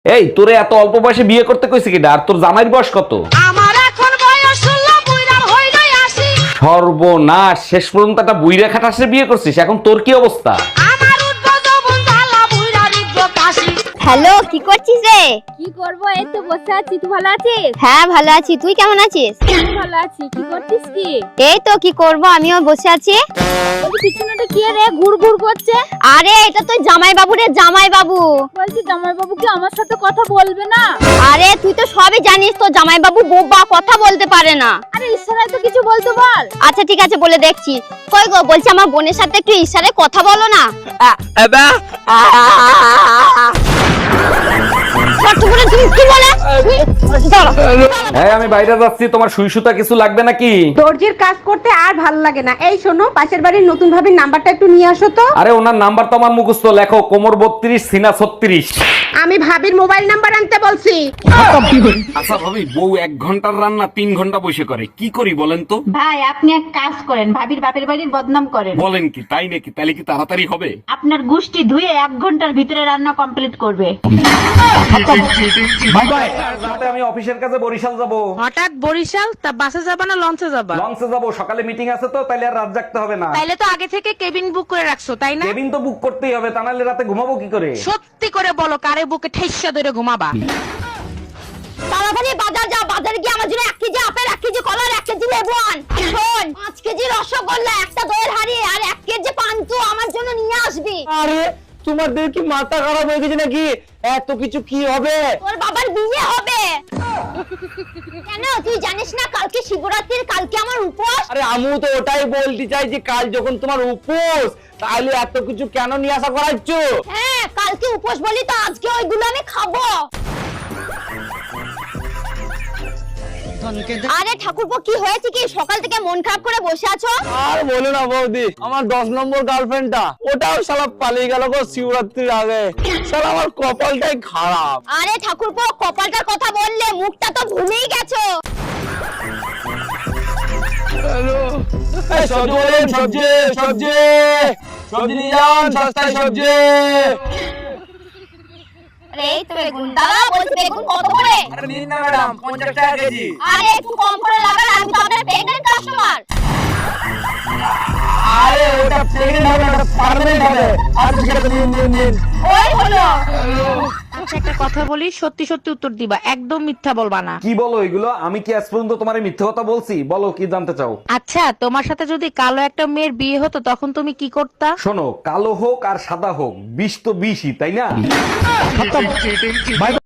এই তোরে এত অল্প বয়সে বিয়ে করতে কইছে কিনা? আর তোর জামাইয়ের বয়স কত? আমার এখন বয়স 16, বুইড়ার হইলই 80। সর্বনাশ, শেষ পর্যন্ত একটা বুইড়া খাটাসে বিয়ে করছিস, এখন তোর কি অবস্থা? আমার উদ্ভব যৌবন জ্বালা, বুইড়ার ইজ্জত হাসি। হ্যালো, কি করছিস রে? কি করবো, এই তো বসে আছি। তুই ভালো আছিস? হ্যাঁ ভালো আছি, তুই কেমন আছিস? আমি ভালো আছি। কি করছিস কি? এই তো কি করব, আমিও বসে আছি। বলছি পিছনেটা কি রে ঘুর ঘুর করছে? আরে এটা তো জামাই বাবু রে, জামাই বাবু। বলছি জামাই বাবু কি আমার সাথে কথা বলবে না? আরে তুই তো সবই জানিস, তো জামাই বাবু বোবা, কথা বলতে পারে না। আরে ইশারায় তো কিছু বলতে বল। আচ্ছা ঠিক আছে, বলে দেখছি। কই গো, বলছি আমার বোনের সাথে একটু ইশারায় কথা বলো না। ছোট্ট করে তুমি কি বলে? দাঁড়াও। হ্যাঁ আমি বাইরে যাচ্ছি, তোমার সুই সুতা কিছু লাগবে নাকি? দর্জির কাজ করতে আর ভাল লাগে না। এই শোনো, পাশের বাড়ির নতুন ভাবির নাম্বারটা একটু নিয়ে আসো তো। আরে ওনার নাম্বার তো আমার মুখস্থ, লেখো কোমর 32 সিনা 36। আমি ভাবির মোবাইল নাম্বার আনতে বলছি। আচ্ছা ভাবি, বউ 1 ঘন্টার রান্না 3 ঘন্টা বসে করে, কি করি বলেন তো? ভাই আপনি এক কাজ করেন, ভাবির বাপের বাড়ির বদনাম করেন। বলেন কি, তাই নাকি? তাহলে কি তাড়াতাড়ি হবে? আপনার গোষ্ঠী ধুয়ে 1 ঘন্টার ভিতরে রান্না কমপ্লিট করবে। রাতে আমি অফিসের কাছে বরিশাল যাব। হঠাৎ বরিশাল? তা বাসে যাবা না লঞ্চে যাবা? লঞ্চে যাব, সকালে মিটিং আছে তো, তাইলে আর রাত জাগতে হবে না। তাইলে তো আগে থেকে কেবিন বুক করে রাখছো, তাই না? কেবিন তো বুক করতেই হবে, তা নাহলে রাতে ঘুমাবো কি করে? সত্যি করে বলো, কারে বুকে ঠেসা ধরে ঘুমাবা? তাড়াতাড়ি বাজার যা, বাজারে গিয়ে আমার জন্য 1 কেজি আপেল, 1 কেজি কলা, 1 কেজি লেবু আন। শোন, 5 কেজি রসগোল্লা, একটা দইয়ের হাঁড়ি আর 1 কেজি পান্তুয়া আমার জন্য নিয়ে আসবি। আরে তোমাদের কি মাথা খারাপ হয়ে গেছে নাকি? এত কিছু কি হবে? তোর বাবার বিয়ে হবে। কেন তুই জানিস না কালকে শিবরাত্রির, কালকে আমার উপোস। আরে আমু তো ওটাই বলতে চাই যে কাল যখন তোমার উপোস, তাহলে এত কিছু কেন নিয়ে আসা করাচ্ছ? হ্যাঁ কালকে উপোস বলি তো আজকে ওইগুলো আমি খাবো। আরে ঠাকুরপো, কি হয়েছে কি? সকাল থেকে মন খারাপ করে বসে আছো? আর বলো না বৌদি, আমার 10 নম্বর গার্লফ্রেন্ডটা, ওটাও শালা পালিয়ে গেল গো শিবরাত্রির আগে। শালা আমার কপালটাই খারাপ। আরে ঠাকুরপো, কপালটার কথা বললে মুখটা তো ভুলেই গেছো। এই সবজি বলেন, সবজি সবজি সবজি নিয়ে যান, সস্তায় সবজি। আরে এই তো বেগুন দাদা, বলছি বেগুন কত করে? আরে নিন না ম্যাডাম, 50 টাকা কেজি। আরে একটু কম করে লাগান, আমি তো আপনার প্রেগন্যান্ট কাস্টমার। আরে ওটা প্রেগনেন্ট হবে না, ওটা পার্মানেন্ট হবে। আর কিছু একটা নিন নিন নিন। ওই হলো। আচ্ছা একটা কথা বলি, সত্যি সত্যি উত্তর দিবা, একদম মিথ্যা বলবা না। কি বলো এগুলো? আমি কি আজ পর্যন্ত তোমার মিথ্যে কথা বলছি? বলো কি জানতে চাও? আচ্ছা তোমার সাথে যদি কালো একটা মেয়ের বিয়ে হতো, তখন তুমি কি করতা? শোনো, কালো হোক আর সাদা হোক, বিষ তো বিষই, তাই না?